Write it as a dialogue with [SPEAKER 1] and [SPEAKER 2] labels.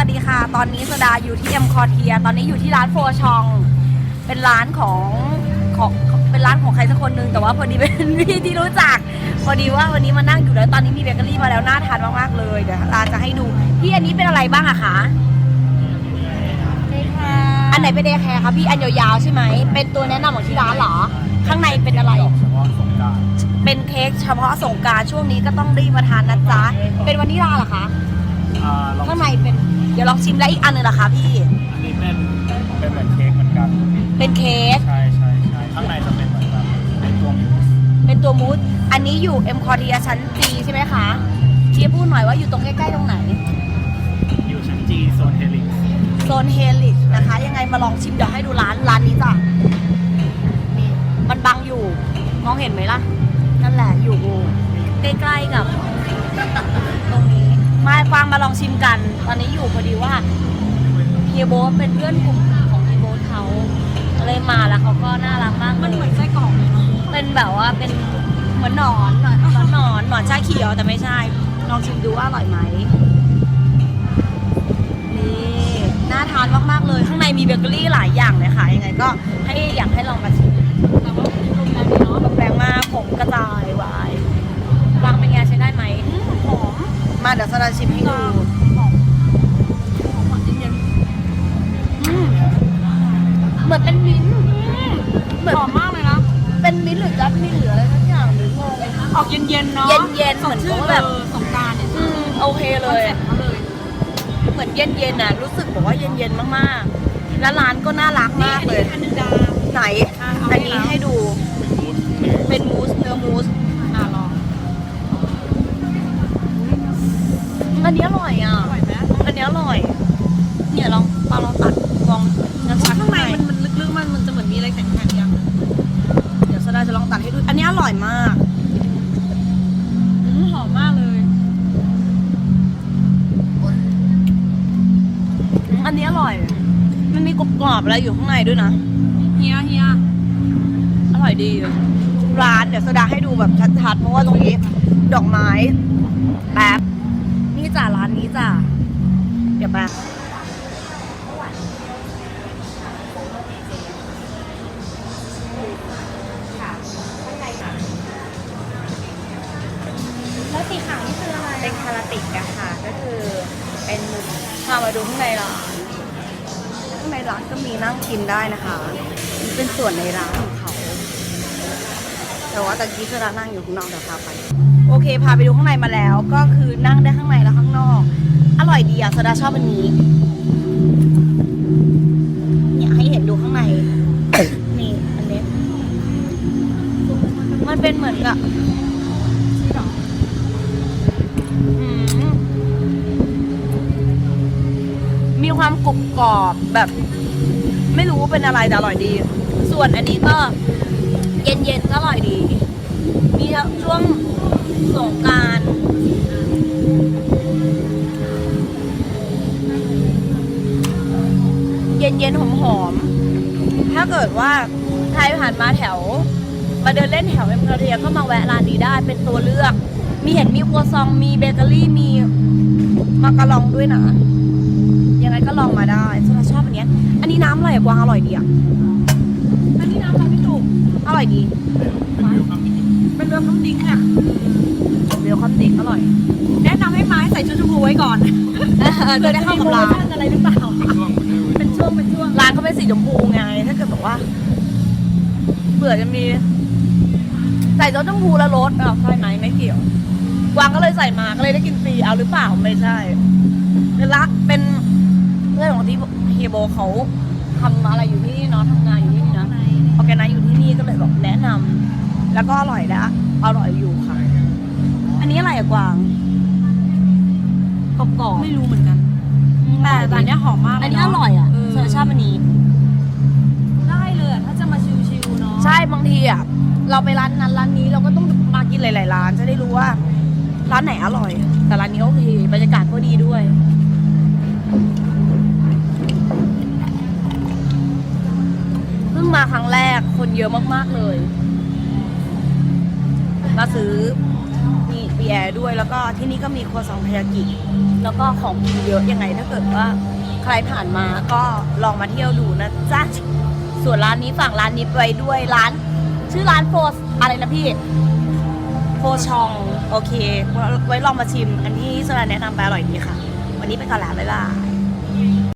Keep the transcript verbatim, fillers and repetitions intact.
[SPEAKER 1] วัสดีค่ะตอนนี้สดาอยู่ที่เอ็มคอเทียตอนนี้อยู่ที่ร้านโฟชองเป็นร้านของของเป็นร้านของใครสักคนนึงแต่ว่าพอดีเป็นพี่ที่รู้จักพอดีว่าวันนี้มานั่งอยู่แล้วตอนนี้มีเบเกอรี่มาแล้วน่าทานมากๆเลยเดี๋ยวร้านจะให้ดูพี่อันนี้เป็นอะไรบ้างอะคะอันไหนเป็นเดย์แคร์คะพี่อันยาวๆใช่ไหมเป็นตัวแนะนำของที่ร้านเหรอข้างในเป็นอะไร
[SPEAKER 2] เฉพาะสงกรานต์
[SPEAKER 1] เป็นเค้กเฉพาะสงกรานต์ช่วงนี้ก็ต้องรีบมาทานนะจ๊ะเป็นวานิลลาเหรอคะข้างในเป็นเดี๋ยวลองชิมแล้วอีกอันหนึ่งเหรอคะพี่
[SPEAKER 2] อันนี้เป็นเป็นเหมือนเค้กเหมือนกัน
[SPEAKER 1] เป็นเค้ก
[SPEAKER 2] ใช่ใช่ใช่ข้างในจะเป็นเหมือนแบบเป็นตัวมูส
[SPEAKER 1] เป็นตัวมูสอันนี้อยู่เอ็มคอเทียชั้นจีใช่ไหมคะพี่พูดหน่อยว่าอยู่ตรงใกล้ๆตรงไหน
[SPEAKER 2] อยู่ชั้นจีโซนเฮลิก
[SPEAKER 1] โซนเฮลิกนะคะยังไงมาลองชิมเดี๋ยวให้ดูร้านร้านนี้จ้ะนี่มันบังอยู่มองเห็นไหมล่ะนั่นแหละอยู่ใกล้ๆกับตรงนี้มากวางมาลองชิมกันตอนนี้อยู่พอดีว่าเฮียโบ๊ทเป็นเพื่อนกลุ่มของเฮียโบ๊ทเขาเลยมาแล้วเขาก็น่ารักมากมันเหมือนไส้กรอกเป็นแบบว่าเป็นเหมือนหนอนหนอนหนอนหนอนชาเขียวแต่ไม่ใช่ลองชิมดูว่าอร่อยไหมนี่น่าทานมากๆเลยข้างในมีเบเกอรี่หลายอย่างเลยค่ะยังไงก็ให้อยากให้ลองมาชิมแต่ว่าลมแรงเนาะลมแรงมากผมกระจายวายวางเป็นไงใช้ได้ไหมหอมมาเดี๋ยวสดาชิมให้ดูหอมหอมหวานเย็นๆเหมือนเป็นมิ้นท์หอมมากเลยนะเป็นมิ้นท์หรือจัสมินหรืออะไรสักอย่างหรืองง
[SPEAKER 3] ออกเย็นๆเนาะ
[SPEAKER 1] เย็นๆเหมือนกับแบบ
[SPEAKER 3] สงกรานต์เนี่ย
[SPEAKER 1] โอเคเลยเหมือนเย็นๆน่ะรู้สึกบอกว่าเย็นๆมากๆแล้วร้านก็น่ารักมากเลย
[SPEAKER 3] อันนึงดา
[SPEAKER 1] ไหนอันนี้ให้ดูเป็นมูสเนื้อมูส
[SPEAKER 3] อ่ะลอง
[SPEAKER 1] อันนี้อร่อยอ่ะ
[SPEAKER 3] อร่อยไหม
[SPEAKER 1] อันนี้อร่อยเนี่ยลองปลาลองตัดลองงั้นชัก
[SPEAKER 3] ข้างในมันมันลึกๆมันมันจะเหมือนมีอะไรแข็งๆอย่าง
[SPEAKER 1] เดี๋ยวสดาจะลองตัดให้ดูอันนี้อร่อยมาก
[SPEAKER 3] หอมมากเลย
[SPEAKER 1] อันนี้อร่อยมันมีกรอบๆอะไรอยู่ข้างในด้วยนะ
[SPEAKER 3] เฮียเฮีย
[SPEAKER 1] อร่อยดีร้านเดี๋ยวสดาให้ดูแบบชัดๆเพราะว่าตรงนี้ดอกไม้แป๊บนี่จ้ะร้านนี้จ้ะเดี๋ยวแป๊บ
[SPEAKER 3] แล้วสีขาวนี่คืออะไร
[SPEAKER 1] เป็นคาราติกอะค่ะก็คือเป็นพามาดูข้างในร้านข้างในร้านก็มีนั่งกินได้นะคะนี่เป็นส่วนในร้านของเขาแต่ว่าตะกี้คือร้านนั่งอยู่ข้างนอกเดี๋ยวพาไปโอเคพาไปดูข้างในมาแล้วก็คือนั่งได้ข้างในและข้างนอกอร่อยดีอะสดาชอบอันนี้เนี่ยให้เห็นดูข้างในนี่อันนี้มันเป็นเหมือนกับมีความกรุบกรอบแบบไม่รู้ว่าเป็นอะไรแต่อร่อยดีส่วนอันนี้ก็เย็นๆก็อร่อยดีมีช่วงสงกรานต์เย็นๆหอมๆถ้าเกิดว่าใครผ่านมาแถวมาเดินเล่นแถวเอ็มคาเทียก็มาแวะร้านนี้ได้เป็นตัวเลือกมีเห็นมีครัวซองมีเบเกอรี่มีมาการองด้วยนะยังไงก็ลองมาได้ฉันชอบอันนี้อันนี้น้ำอะไรกวางอร่อยดีอ่ะ
[SPEAKER 3] อันนี้น้ำอะไรพี่จุ๊บ
[SPEAKER 1] อร่อยดี
[SPEAKER 3] เป็นเรือน้ำดิ้งอ่ะ
[SPEAKER 1] เรือความดิ้งอร่อย
[SPEAKER 3] แนะนำให้ไม้ใส่ชุดชมพูไว้ก่อน
[SPEAKER 1] จะได้เข้ากับร้าน
[SPEAKER 3] อะไรหรือเปล่าเป็นช่วงเป็นช่วง
[SPEAKER 1] ร้านเขาเป็นสีชมพูไงถ้าเกิดบอกว่าเผื่อจะมีใส่รสชมพูแล้วรสอ่ะใช่ไหมไม่เกี่ยวกวางก็เลยใส่มาก็เลยได้กินฟรีเอาหรือเปล่าไม่ใช่เป็นละเป็นเพื่อนของที่เฮียโบเขาทำอะไรอยู่ที่นี่เนาะทำงานอยู่ที่นี่นะออแกไนซ์อยู่ที่นี่ก็เลยบอกแนะนำแล้วก็อร่อยแล้วอร่อยอยู่ค่ะอันนี้อะไรอะกวางกรอบๆ
[SPEAKER 3] ไม่รู้เหมือนกันแต่แต่อันนี้หอมมาก
[SPEAKER 1] อันนี้อร่อยอ่ะเธอชอบอันนี้
[SPEAKER 3] ได้เลยถ้าจะมาชิวๆเนาะ
[SPEAKER 1] ใช่บางทีอ่ะเราไปร้านนั้นร้านนี้เราก็ต้องมากินหลายๆร้านจะได้รู้ว่าร้านไหนอร่อยแต่ร้านนี้โอเคบรรยากาศก็ดีด้วยเพิ่งมาครั้งแรกคนเยอะมากๆเลยมาซื้อนี่เบียร์แอร์ด้วย แล้วก็ที่นี่ก็มีครัวซองทายากิแล้วก็ของกินเยอะยังไงถ้าเกิดว่าใครผ่านมาก็ลองมาเที่ยวดูนะจ๊ะส่วนร้านนี้ฝากร้านนี้ไว้ด้วยร้าน ชื่อร้านโฟสอะไรนะพี่โฟชองโอเคไว้ลองมาชิมอันที่สราแนะนำไปอร่อยดีค่ะวันนี้ไปก่อนแล้วบ๊ายบาย